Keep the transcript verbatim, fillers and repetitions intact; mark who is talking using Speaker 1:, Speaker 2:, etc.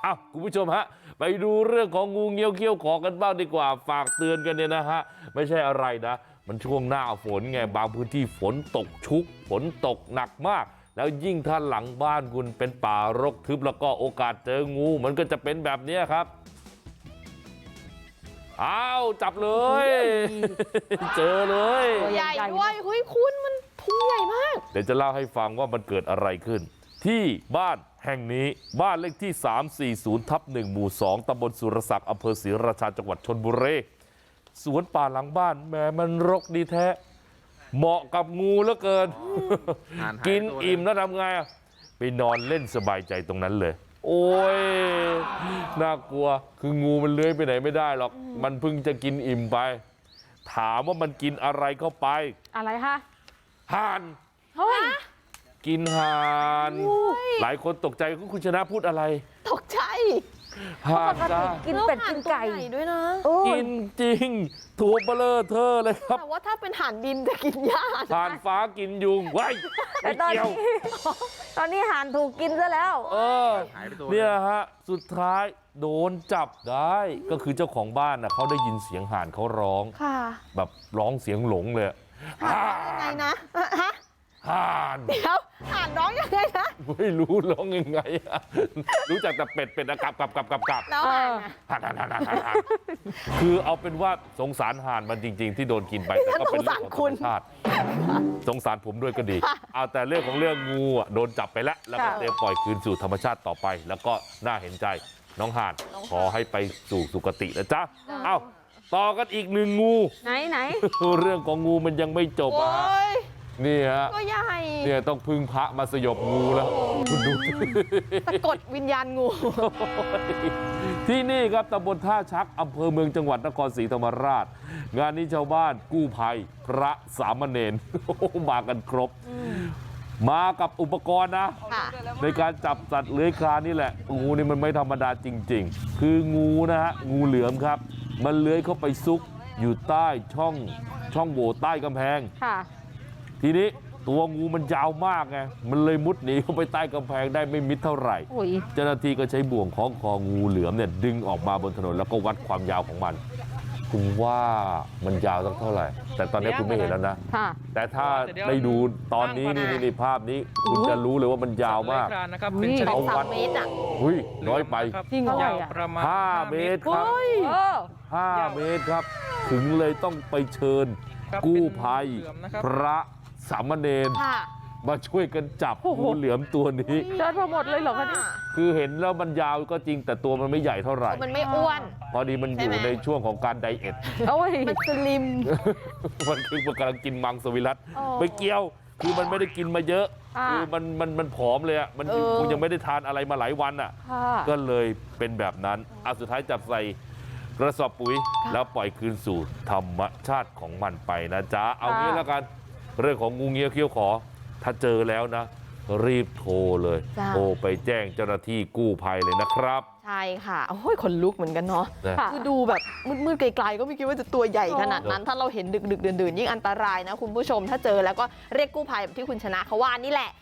Speaker 1: อ้าวคุณผู้ชมฮะไปดูเรื่องของงูเงี้ยวเขี้ยวขอกันบ้างดีกว่าฝากเตือนกันเนี่ยนะฮะไม่ใช่อะไรนะมันช่วงหน้าฝนไงบางพื้นที่ฝนตกชุกฝนตกหนักมากแล้วยิ่งถ้าหลังบ้านคุณเป็นป่ารกทึบแล้วก็โอกาสเจองูมันก็จะเป็นแบบนี้ครับอ้าวจับเลยเจอเลย
Speaker 2: ใหญ่ด้วยเฮ้ยคุณมันพุงใหญ่มาก
Speaker 1: เดี๋ยวจะเล่าให้ฟังว่ามันเกิดอะไรขึ้นที่บ้านแห่งนี้บ้านเลขที่สามสี่ศูนย์ทับหนึ่งหมู่สองตำบลสุรศักดิ์อำเภอศรีราชาจังหวัดชลบุรีสวนป่าหลังบ้านแหมมันรกดีแท้เหมาะกับงูเหลือเกินกินอิ่มแล้วทำไงไปนอนเล่นสบายใจตรงนั้นเลยโอ้ยน่ากลัวคืองูมันเลื้อยไปไหนไม่ได้หรอกมันเพิ่งจะกินอิ่มไปถามว่ามันกินอะไรเข้าไป
Speaker 2: อะไรคะ
Speaker 1: ห่าน
Speaker 2: เฮ้ย
Speaker 1: กินห่านหลายคนตกใจคุณชนะพูดอะไร
Speaker 2: ตกใจ
Speaker 1: ห่านจ้า
Speaker 2: กินเป็ดกินไก่ด้วยนะ
Speaker 1: กินจริงถั่วเบลอเธอเลยครับ
Speaker 2: แต่ว่าถ้าเป็นห่านดินจะกินหญ้า
Speaker 1: ห่านฟ้ากินยุงไว้ไม่เกี่ยว
Speaker 2: ตอนนี้ห่านถูกกินซะแล้ว
Speaker 1: เออเนี่ยฮะสุดท้ายโดนจับได้ก็คือเจ้าของบ้านน่ะเขาได้ยินเสียงห่านเขาร้องแบบร้องเสียงหลงเลย
Speaker 2: ยังไงนะฮะ
Speaker 1: ห่าน
Speaker 2: เดี๋ยวห่านร้องยังไงนะ
Speaker 1: ไม่รู้ร้องยังไงอะรู้จักแต่เป็ดเป็ดกับกับกับกับกับ
Speaker 2: แล้ว
Speaker 1: ห่านห่านห่านห่านคือเอาเป็นว่าสงสารห่านมันจริงๆที่โดนกินไปแต่ก็เป็นเรื่องของธรรมชาติสงสารผมด้วยก็ดีเอาแต่เรื่องของเรื่องงูอ่ะโดนจับไปแล้วแล้วก็เตรียมปล่อยคืนสู่ธรรมชาติต่อไปแล้วก็น่าเห็นใจน้องห่านขอให้ไปสู่สุคตินะจ๊ะเอ้าต่อกันอีกหนึ่งงู
Speaker 2: ไหนไหน
Speaker 1: เรื่องของงูมันยังไม่จบอ่ะนี่ฮะ
Speaker 2: ก็ใหญ่
Speaker 1: เนี่ยต้องพึ่งพระมาสยบงูแล้วคุณดู
Speaker 2: สะกดวิญญาณงู
Speaker 1: ที่นี่ครับตำบลท่าชักอำเภอเมืองจังหวัดนครศรีธรรมราชงานนี้ชาวบ้านกู้ภัยพระสามเณรมากันครบมากับอุปกรณ์นะในการจับสัตว์เลื้อยคลานนี่แหละงูนี่มันไม่ธรรมดาจริงๆคืองูนะฮะงูเหลือมครับมันเลื้อยเข้าไปซุกอยู่ใต้ช่องช่องโหว่ใต้กำแพงทีนี้ตัวงูมันยาวมากไงมันเลยมุดหนีเข้าไปใต้กำแพงได้ไม่มิดเท่าไหร่เจ้าหน้าที่ก็ใช้บ่วงคล้องคองูเหลือมเนี่ยดึงออกมาบนถนนแล้วก็วัดความยาวของมันคุณว่ามันยาวสักเท่าไหร่แต่ตอนนี้คุณไม่เห็นแล้วนะแต่ถ้าได้ดูตอนนี้นี่นี่ภาพนี้คุณจะรู้เลยว่ามันยาวมาก
Speaker 2: เอาวัดเมตรอ่ะ
Speaker 1: เฮ้ยน้อยไป
Speaker 2: ยาว
Speaker 1: ประมาณห้าเมตรครับห้าเมตรครับถึงเลยต้องไปเชิญกู้ภัยพระสามเณรมาช่วยกันจับงูเหลือมตัวนี้
Speaker 2: เจอทั้งหมดเลยเหรอคะเนี่ย
Speaker 1: คือเห็นแล้วมันยาวก็จริงแต่ตัวมันไม่ใหญ่เท่าไหร่
Speaker 2: มันไม่อ้วน
Speaker 1: พอดีมันอยู่ในช่วงของการไดเอท
Speaker 2: มันสลิม
Speaker 1: มันคือมันกำลังกินมังสวิรัติไม่เกี่ยวคือมันไม่ได้กินมาเยอะคือมันมันมันผอมเลยอ่ะมันคงยังไม่ได้ทานอะไรมาหลายวันอ่ะก็เลยเป็นแบบนั้นอ่ะสุดท้ายจับใส่กระสอบปุ๋ยแล้วปล่อยคืนสู่ธรรมชาติของมันไปนะจ๊ะเอางี้แล้วกันเรื่องของงูเงี้ยวเขี้ยวขอถ้าเจอแล้วนะรีบโทรเลยโทรไปแจ้งเจ้าหน้าที่กู้ภัยเลยนะครับ
Speaker 2: ใช่ค่ะโอ้ยขนลุกเหมือนกันเนาะคือดูแบบมืดๆไกลๆก็ไม่คิดว่าจะตัวใหญ่ขนาดนั้นถ้าเราเห็นดึกๆดื่นๆยิ่งอันตรายนะคุณผู้ชมถ้าเจอแล้วก็เรียกกู้ภัยแบบที่คุณชนะเขาว่านี่แหละ